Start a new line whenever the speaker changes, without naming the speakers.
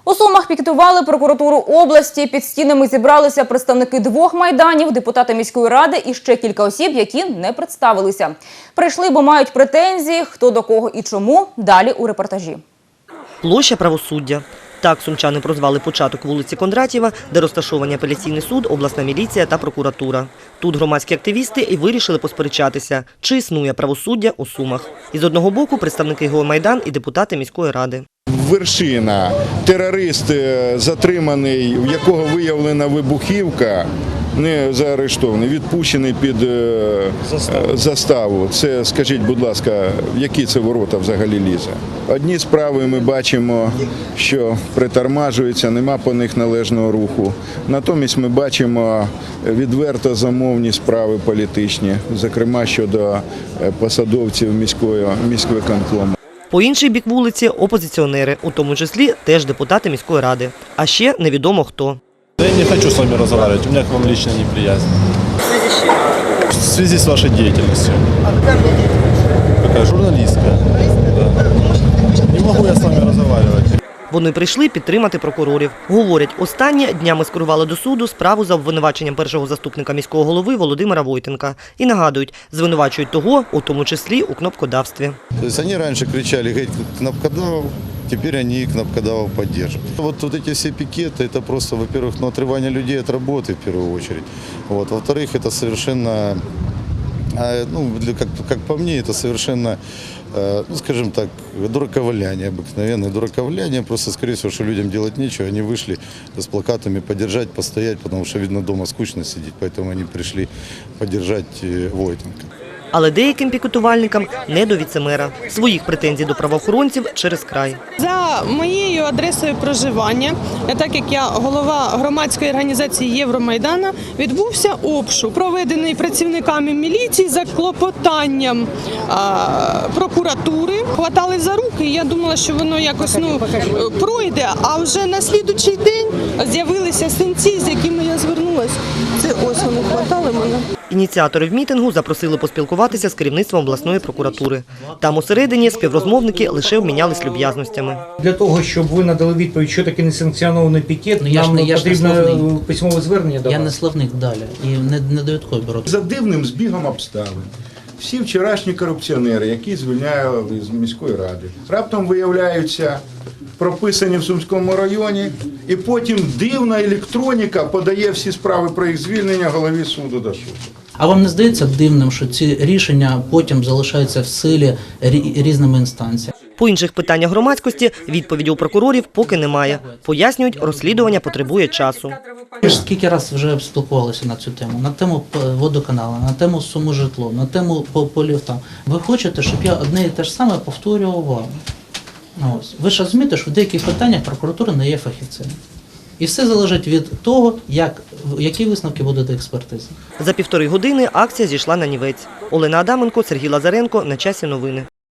У Сумах пікетували прокуратуру області. Під стінами зібралися представники двох майданів, депутати міської ради і ще кілька осіб, які не представилися. Прийшли, бо мають претензії, хто до кого і чому. Далі у репортажі.
Площа Правосуддя. Так сумчани прозвали початок вулиці Кондратєва, де розташовані апеляційний суд, обласна міліція та прокуратура. Тут громадські активісти і вирішили посперечатися, чи існує правосуддя у Сумах. Із одного боку представники ГО «Майдан» і депутати міської ради.
Вершина, терорист затриманий, в якого виявлена вибухівка, не заарештований, відпущений під заставу. Це, скажіть, будь ласка, в які це ворота взагалі лізе? Одні справи ми бачимо, що притормажуються, нема по них належного руху. Натомість ми бачимо відверто замовні справи політичні, зокрема щодо посадовців міськвиконкому.
По інший бік вулиці – опозиціонери, у тому числі теж депутати міської ради. А ще невідомо хто.
Я не хочу с вами разговаривать, у меня к вам лично неприязнь.
В связи с чем?
В связи с вашей деятельностью.
А какая у меня деятельность?
Какая журналистская. Да. Не могу я с вами разговаривать.
Вони прийшли підтримати прокурорів. Говорять, останні днями скерували до суду справу за обвинуваченням першого заступника міського голови Володимира Войтенка. І нагадують, звинувачують того, у тому числі у кнопкодавстві.
Тобто вони раніше кричали «Геть кнопкодавов», теперь они кнопкодавов поддерживают. Вот эти все пикеты, это просто, во-первых, отрывание людей от работы в первую очередь. Вот. Во-вторых, это совершенно, как по мне, это совершенно, скажем так, дураковаляние, обыкновенное дураковаляние. Просто, скорее всего, что людям делать нечего, они вышли с плакатами поддержать, постоять, потому что, видно, дома скучно сидеть, поэтому они пришли поддержать Войтенка.
Але деяким пікетувальникам не до віцемера. Своїх претензій до правоохоронців через край.
За моєю адресою проживання, так як я голова громадської організації Євромайдана, відбувся обшук, проведений працівниками міліції за клопотанням прокуратури. Хватали за руки, і я думала, що воно якось пройде, а вже на слідуючий день з'явилися синці, з якими я звернулася. Це ось вони хватали мене.
Ініціатори мітингу запросили поспілкуватися з керівництвом обласної прокуратури. Там усередині співрозмовники лише обмінялись люб'язностями.
Для того, щоб ви надали відповідь, що таке несанкціонований пікет, нам потрібно письмове звернення до вас.
Я не словник далі і не довідковий бюро.
За дивним збігом обставин всі вчорашні корупціонери, які звільняли з міської ради, раптом виявляються прописані в Сумському районі, і потім дивна електроніка подає всі справи про їх звільнення голові суду до суду.
А вам не здається дивним, що ці рішення потім залишаються в силі різними інстанціями?
По інших питаннях громадськості відповіді у прокурорів поки немає. Пояснюють, розслідування потребує часу.
Ви ж скільки разів вже спілкувалися на цю тему? На тему водоканалу, на тему суми житло, на тему по ліфтам. Ви хочете, щоб я одне і те ж саме повторював вам? Ось. Ви ж розумієте, що в деяких питаннях прокуратура не є фахівцем. І все залежить від того, які висновки будуть експертизи.
За 1,5 години акція зійшла на нівець. Олена Адаменко, Сергій Лазаренко. На часі новини.